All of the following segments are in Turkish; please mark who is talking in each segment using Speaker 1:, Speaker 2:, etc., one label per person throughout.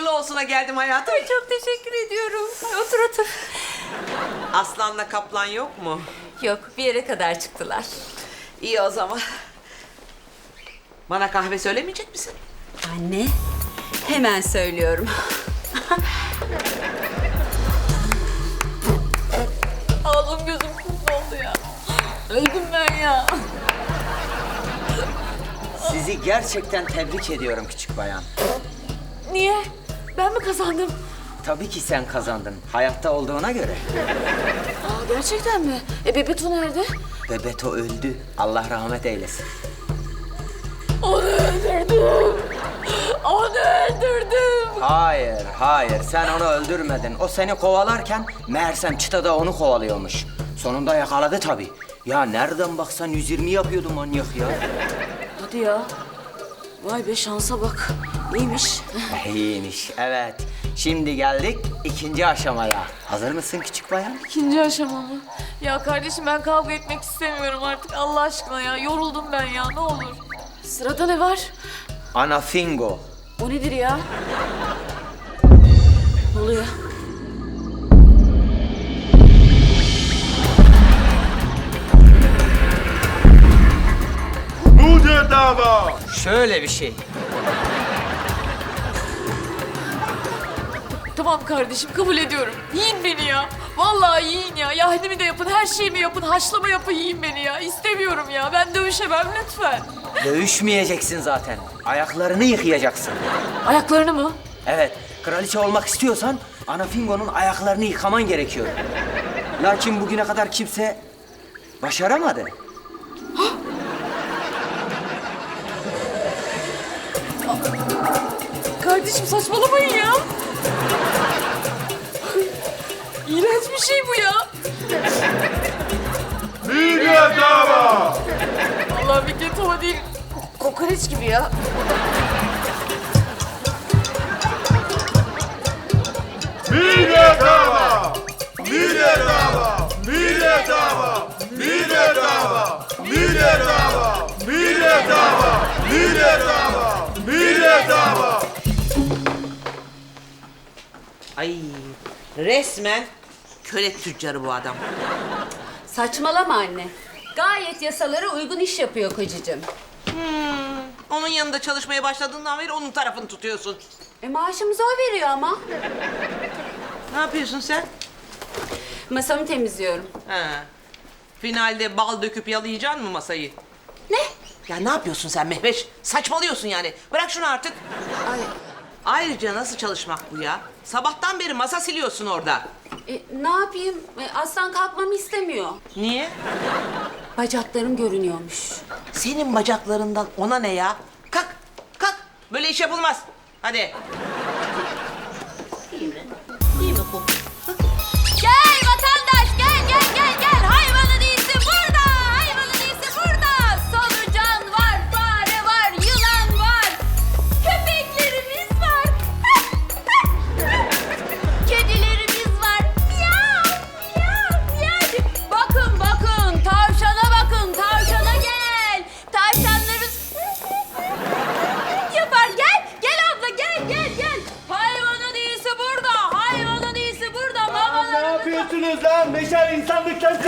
Speaker 1: hayırlı olsuna geldim hayatım.
Speaker 2: Ay çok teşekkür ediyorum. Ay, otur otur.
Speaker 1: Aslanla kaplan yok mu?
Speaker 2: Yok, bir yere kadar çıktılar.
Speaker 1: İyi o zaman. Bana kahve söylemeyecek misin?
Speaker 2: Anne, hemen söylüyorum. Ağzım gözüm kum oldu ya. Öldüm ben ya.
Speaker 3: Sizi gerçekten tebrik ediyorum küçük bayan.
Speaker 2: Niye? Ben mi kazandım?
Speaker 3: Tabii ki sen kazandın. Hayatta olduğuna göre.
Speaker 2: Aa, gerçekten mi? Bebeto nerede?
Speaker 3: Bebeto öldü. Allah rahmet eylesin.
Speaker 2: Onu öldürdüm. Onu öldürdüm.
Speaker 3: Hayır. Sen onu öldürmedin. O seni kovalarken meğersem çıtada onu kovalıyormuş. Sonunda yakaladı tabii. Ya nereden baksan 120 yapıyordu manyak ya.
Speaker 2: Hadi ya. Vay be şansa bak. İyiymiş.
Speaker 3: İyiymiş, evet. Şimdi geldik ikinci aşamaya. Hazır mısın küçük bayan?
Speaker 4: İkinci aşama mı? Ya kardeşim ben kavga etmek istemiyorum artık Allah aşkına ya. Yoruldum ben ya ne olur. Sırada ne var?
Speaker 3: Anafingo.
Speaker 2: O nedir ya? Ne oluyor?
Speaker 5: Budur dava.
Speaker 3: Şöyle bir şey.
Speaker 4: Tamam kardeşim kabul ediyorum. Yiyin beni ya. Vallahi yiyin ya. Yahnimi de yapın, her şeyimi yapın, haşlama yapın yiyin beni ya. İstemiyorum ya. Ben dövüşemem lütfen.
Speaker 3: Dövüşmeyeceksin zaten. Ayaklarını yıkayacaksın.
Speaker 4: Ayaklarını mı?
Speaker 3: Evet, kraliçe olmak istiyorsan Anafingo'nun ayaklarını yıkaman gerekiyor. Lakin bugüne kadar kimse başaramadı.
Speaker 4: Kardeşim saçmalamayın ya. İğrenç bir şey bu ya.
Speaker 5: Budur dava.
Speaker 4: Allah bir ketova değil. Kokoreç gibi ya.
Speaker 5: Budur dava. Budur dava. Budur dava. Budur dava. Budur dava. Budur dava. Budur dava. Budur dava.
Speaker 1: Ay resmen köle tüccarı bu adam.
Speaker 2: Saçmalama anne. Gayet yasalara uygun iş yapıyor kocacığım.
Speaker 1: Onun yanında çalışmaya başladığından beri onun tarafını tutuyorsun.
Speaker 2: Maaşımızı o veriyor ama.
Speaker 1: Ne yapıyorsun sen?
Speaker 2: Masamı temizliyorum.
Speaker 1: Ha. Finalde bal döküp yalayacaksın mı masayı?
Speaker 2: Ne?
Speaker 1: Ya ne yapıyorsun sen Mehveş? Saçmalıyorsun yani. Bırak şunu artık.
Speaker 2: Ay,
Speaker 1: Ayrıca nasıl çalışmak bu ya? Sabahtan beri masa siliyorsun orada.
Speaker 2: ne yapayım? Aslan kalkmamı istemiyor.
Speaker 1: Niye?
Speaker 2: Bacaklarım görünüyormuş.
Speaker 1: Senin bacaklarından ona ne ya? Kalk, kalk. Böyle iş yapılmaz. Hadi. İyi mi? İyi mi bu?
Speaker 2: Gel vatandaş gel. Hayvanın iyisi burada. Hayvanın iyisi burada. Solucan var, fare var, yılan var. Köpeklerimiz var. Kedilerimiz var. Miyav, miyav. Bakın. Tavşana gel. Tavşanlarımız yapar. Gel abla gel. Hayvanın iyisi burada.
Speaker 6: Ne yapıyorsunuz lan? Meşal insanlıktan siz...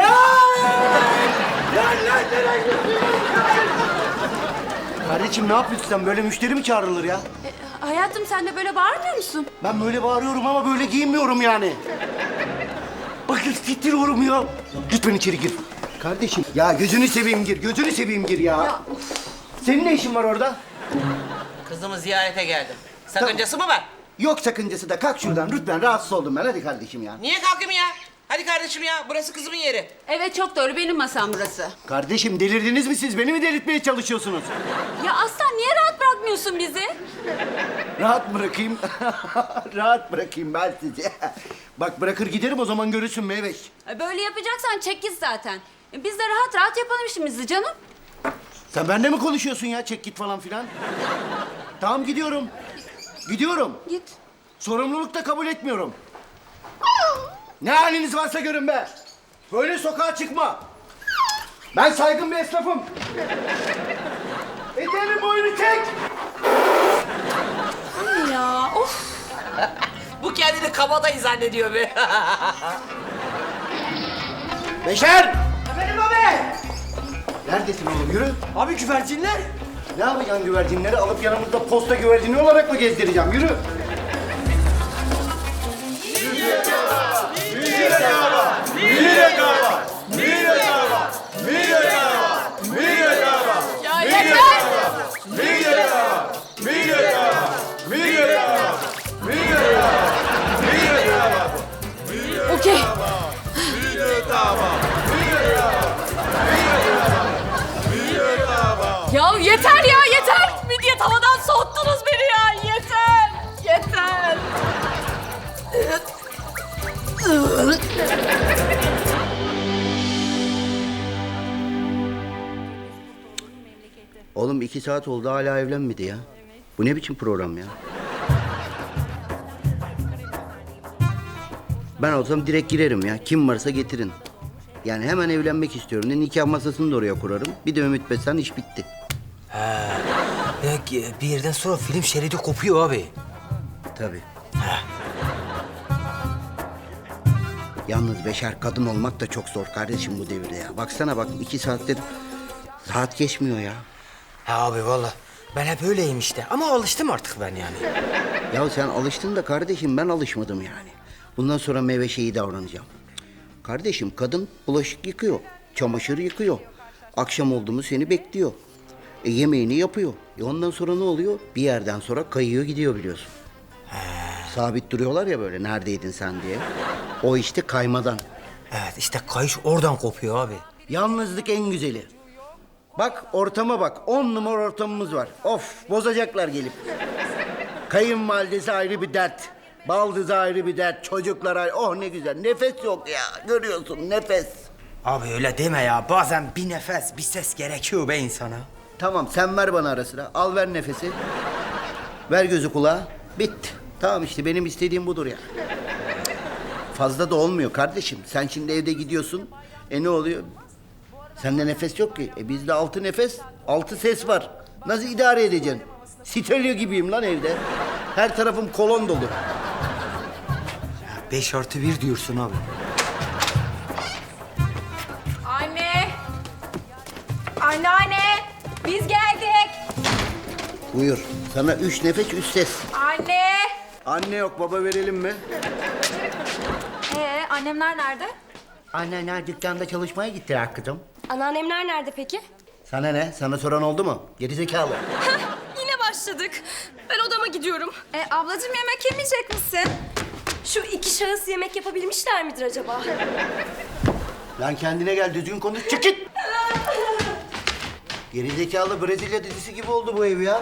Speaker 6: Kardeşim ne yapıyorsun sen? Böyle müşteri mi çağrılır ya?
Speaker 2: Hayatım sen de böyle bağırmıyor musun?
Speaker 6: Ben böyle bağırıyorum ama böyle giyinmiyorum yani. Bakın titriyorum ya. Lütfen içeri gir. Kardeşim ya gözünü seveyim gir ya. Senin ne işin var orada?
Speaker 1: Kızımı ziyarete geldim. Sakıncası mı var?
Speaker 6: Yok sakıncası da kalk şuradan lütfen rahatsız oldum ben hadi kardeşim ya.
Speaker 1: Niye kalkayım ya? Hadi kardeşim ya, burası kızımın yeri.
Speaker 2: Evet çok doğru benim masam burası.
Speaker 6: Kardeşim delirdiniz mi siz? Beni mi delirtmeye çalışıyorsunuz?
Speaker 2: Ya Aslan niye rahat bırakmıyorsun bizi?
Speaker 6: Rahat bırakayım. Rahat bırakayım ben sizi. Bak bırakır giderim o zaman görürsün Meyveş.
Speaker 2: Böyle yapacaksan çek git zaten. Biz de rahat yapalım işimizi canım.
Speaker 6: Sen benimle mi konuşuyorsun ya çek git falan filan? Tamam gidiyorum.
Speaker 2: Git.
Speaker 6: Sorumluluk da kabul etmiyorum. Ne haliniz varsa görün be. Böyle sokağa çıkma. Ben saygın bir esnafım. Eteğimin boyunu çek.
Speaker 2: Anne ya of.
Speaker 1: Bu kendini kabadayı zannediyor be.
Speaker 6: Beşer! Efendim abi! Neredesin oğlum? Yürü.
Speaker 3: Abi güvercinler.
Speaker 6: Ne yapacaksın güvercinleri? Alıp yanımızda posta güvercini olarak mı gezdireceğim? Yürü.
Speaker 4: Ya yeter! Okey. Ya yeter ya yeter! Midye tavadan soğuttunuz beni ya! Yeter! Yeter!
Speaker 6: Oğlum 2 saat oldu hala evlenmedi ya. Bu ne biçim program ya? Ben olsam direkt girerim ya. Kim varsa getirin. Yani hemen evlenmek istiyorum. Ne nikah masasını da oraya kurarım. Bir de Ümit Besen iş bitti.
Speaker 3: Bir yerden sonra film şeridi kopuyor abi.
Speaker 6: Tabii. Yalnız Beşer kadın olmak da çok zor kardeşim bu devirde ya. Baksana bak 2 saattir saat geçmiyor ya.
Speaker 3: Ha abi valla ben hep öyleyim işte ama alıştım artık ben yani.
Speaker 6: Ya sen alıştın da kardeşim ben alışmadım yani. Bundan sonra meyve şeyi davranacağım. Kardeşim kadın bulaşık yıkıyor, çamaşır yıkıyor. Akşam oldu mu seni bekliyor. Yemeğini yapıyor. Ondan sonra ne oluyor? Bir yerden sonra kayıyor gidiyor biliyorsun. Sabit duruyorlar ya böyle neredeydin sen diye. O işte kaymadan.
Speaker 3: Evet işte kayış oradan kopuyor abi.
Speaker 6: Yalnızlık en güzeli. Bak ortama bak. 10 numara ortamımız var. Of bozacaklar gelip. Kayınvalidesi ayrı bir dert. Baldızı ayrı bir dert. Çocuklar ayrı. Oh ne güzel. Nefes yok ya. Görüyorsun nefes.
Speaker 3: Abi öyle deme ya bazen bir nefes bir ses gerekiyor be insana.
Speaker 6: Tamam sen ver bana ara sıra. Al ver nefesi. Ver gözü kulağa. Bitti. Tamam işte benim istediğim budur ya. Fazla da olmuyor kardeşim. Sen şimdi evde gidiyorsun. Ne oluyor? Sende nefes yok ki. Bizde 6 nefes, 6 ses var. Nasıl idare edeceksin? Stereo gibiyim lan evde. Her tarafım kolon dolu.
Speaker 3: 5+1 diyorsun abi.
Speaker 4: Anne! Anneanne! Biz geldik!
Speaker 6: Buyur. Sana 3 nefes, 3 ses.
Speaker 4: Anne!
Speaker 6: Anne yok, baba verelim mi?
Speaker 7: Annemler nerede?
Speaker 6: Anneanne dükkanda çalışmaya gittiler kızım.
Speaker 7: Anneannemler nerede peki?
Speaker 6: Sana ne? Sana soran oldu mu? Gerizekalı.
Speaker 7: Yine başladık. Ben odama gidiyorum. Ablacığım yemek yemeyecek misin? Şu 2 şahıs yemek yapabilmişler midir acaba?
Speaker 6: Lan kendine gel, düzgün konuş, çık git! Gerizekalı Brezilya dizisi gibi oldu bu ev ya.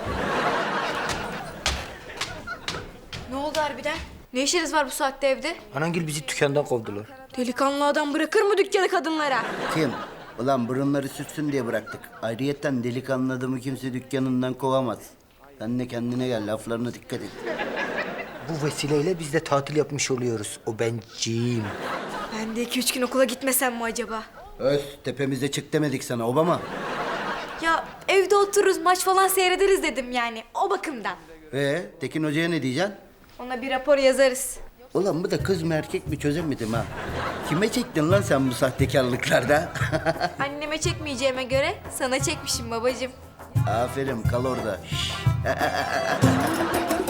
Speaker 7: Ne oldu harbiden? Ne işiniz var bu saatte evde?
Speaker 3: Anangil bizi dükkandan kovdular.
Speaker 7: Delikanlı adam bırakır mı dükkanı kadınlara?
Speaker 6: Kim? Ulan burunları sürtsün diye bıraktık. Ayrıyetten delikanlı adamı kimse dükkanından kovamaz. Sen de kendine gel, laflarına dikkat et.
Speaker 3: Bu vesileyle biz de tatil yapmış oluyoruz. O benciyim.
Speaker 7: Ben de 2-3 gün okula gitmesem mi acaba?
Speaker 6: Öz, tepemize çık demedik sana Obama.
Speaker 7: Ya evde otururuz maç falan seyrederiz dedim yani o bakımdan.
Speaker 6: Tekin Hoca'ya ne diyeceksin?
Speaker 7: Ona bir rapor yazarız.
Speaker 6: Ulan bu da kız mı erkek mi çözemedim ha. Kime çektin lan sen bu sahtekarlıklarda?
Speaker 7: Anneme çekmeyeceğime göre sana çekmişim babacığım.
Speaker 6: Aferin kal orada. Şş.